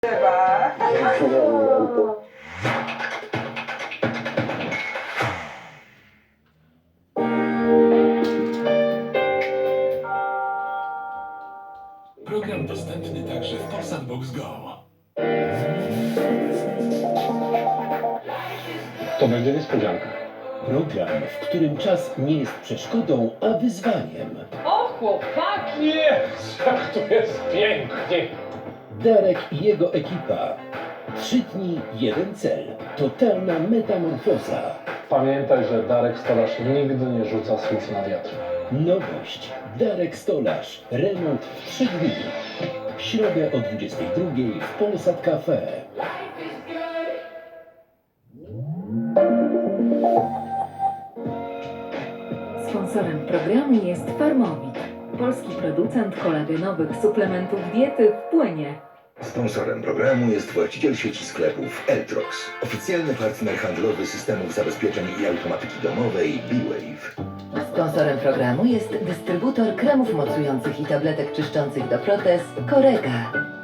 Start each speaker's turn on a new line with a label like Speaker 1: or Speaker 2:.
Speaker 1: Program dostępny także w Polsat Box Go.
Speaker 2: To będzie niespodzianka.
Speaker 3: Program, w którym czas nie jest przeszkodą, a wyzwaniem.
Speaker 4: O, chłopaki!
Speaker 2: Jest, jak to jest pięknie.
Speaker 3: Darek i jego ekipa. 3 dni, 1 cel. Totalna metamorfoza.
Speaker 2: Pamiętaj, że Darek Stolarz nigdy nie rzuca słów na wiatr.
Speaker 3: Nowość. Darek Stolarz. Remont w 3 dni. W środę o 22:00 w Polsat Cafe.
Speaker 5: Sponsorem programu jest Farmowit, polski producent kolagenowych suplementów diety w płynie.
Speaker 6: Sponsorem programu jest właściciel sieci sklepów Eltrox, oficjalny partner handlowy systemów zabezpieczeń i automatyki domowej B-Wave.
Speaker 7: Sponsorem programu jest dystrybutor kremów mocujących i tabletek czyszczących do protez Korega.